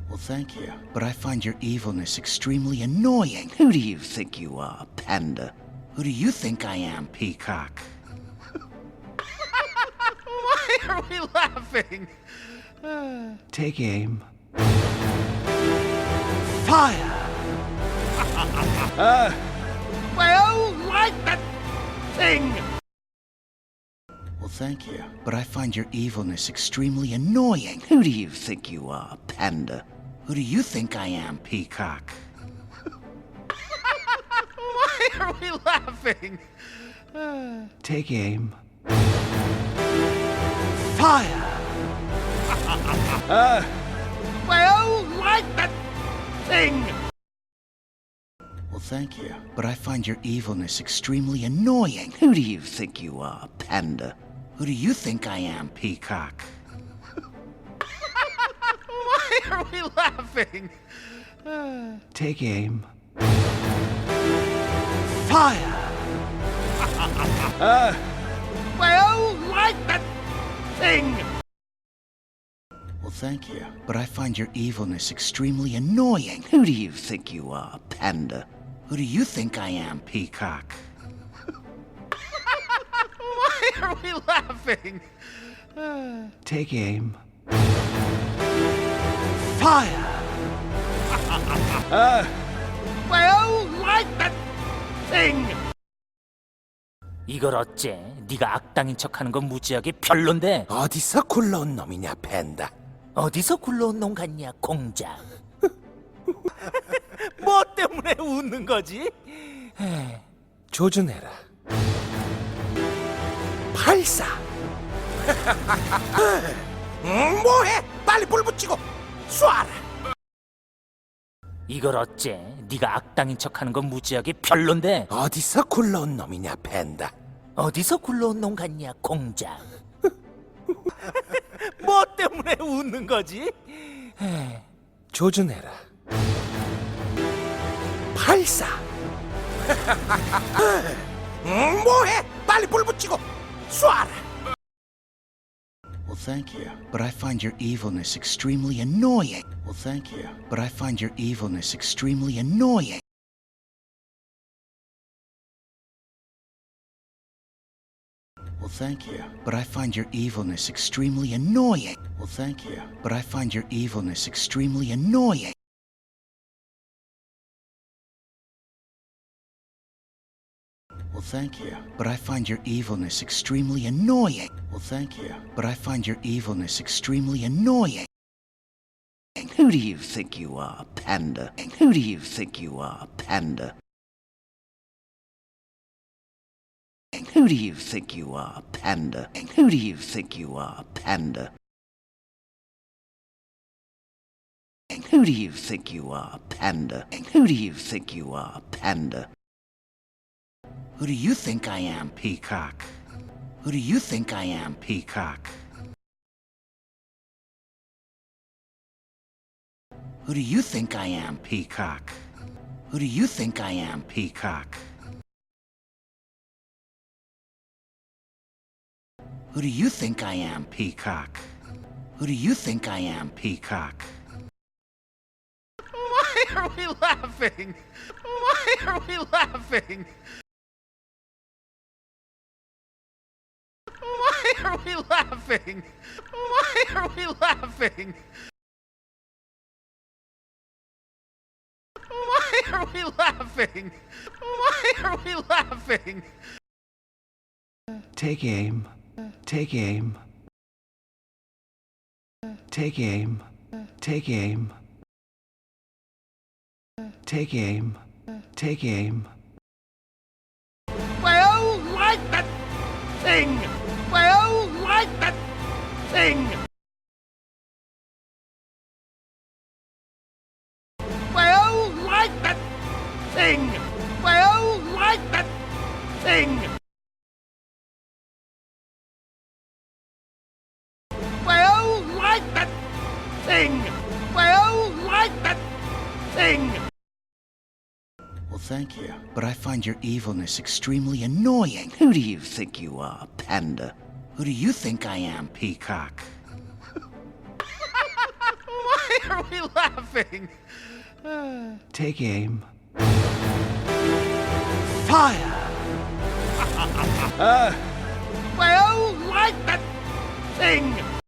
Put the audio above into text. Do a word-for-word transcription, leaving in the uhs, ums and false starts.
Well, thank you. But I find your evilness extremely annoying. Who do you think you are, Panda? Who do you think I am, Peacock? Why are we laughing? Take aim. Fire! uh, well, like that thing! Well, thank you. But I find your evilness extremely annoying. Who do you think you are, Panda? Who do you think I am, Peacock? Why are we laughing? Take aim. Fire! uh, well, like that thing! Well, thank you. But I find your evilness extremely annoying. Who do you think you are, Panda? Who do you think I am, Peacock? Why are we laughing? Take aim. Fire! uh, well, like that thing! Well, thank you. But I find your evilness extremely annoying. Who do you think you are, Panda? Who do you think I am, Peacock? Why are we laughing? Take aim. Fire! uh, well, like that thing! 이걸 어째? 네가 악당인 척하는 건 무지하게 별론데 어디서 굴러온 놈이냐, 팬다. 어디서 굴러온 놈 같냐, 공작. 뭐 때문에 웃는 거지? 조준해라. 발사! 음, 뭐해? 빨리 불 붙이고 쏴라! 이걸 어째? 네가 악당인 척하는 건 무지하게 별론데 어디서 굴러온 놈이냐, 팬다. 어디서 굴러온 놈 같냐, 공작. 뭐 때문에 웃는 거지? 조준해라. 발사! 음, 뭐해? 빨리 불 붙이고 쏴라! Well, thank you. But I find your evilness extremely annoying. Well, thank you. But I find your evilness extremely annoying. Well, thank you. But I find your evilness extremely annoying. Well, thank you. But I find your evilness extremely annoying. Well, thank you. But I find your evilness extremely annoying. Well, thank you. But I find your evilness extremely annoying. Who do you think you are, Panda? Who do you think you are, Panda? Who do you think you are, Panda? Who do you think you are, Panda? Who do you think you are, Panda? Who do you think you are, Panda? Who do you think I am, Peacock? Who do you think I am, Peacock? Who do you think I am, Peacock? Who do you think I am, Peacock? Who do you think I am, Peacock? Who do you think I am, Peacock? Why are we laughing? Why are we laughing? Why are we laughing? Why are we laughing? Why are we laughing? Why are we laughing? Take aim. Take aim. Take aim. Take aim. Take aim. Take aim. Well, like that thing! Well, like that thing! Well, like that thing! Well, like that thing! Well, like that thing! Well, like that thing! Well, thank you. But I find your evilness extremely annoying. Who do you think you are, Panda? Who do you think I am, Peacock? Why are we laughing? Take aim. Fire! Well, like that thing!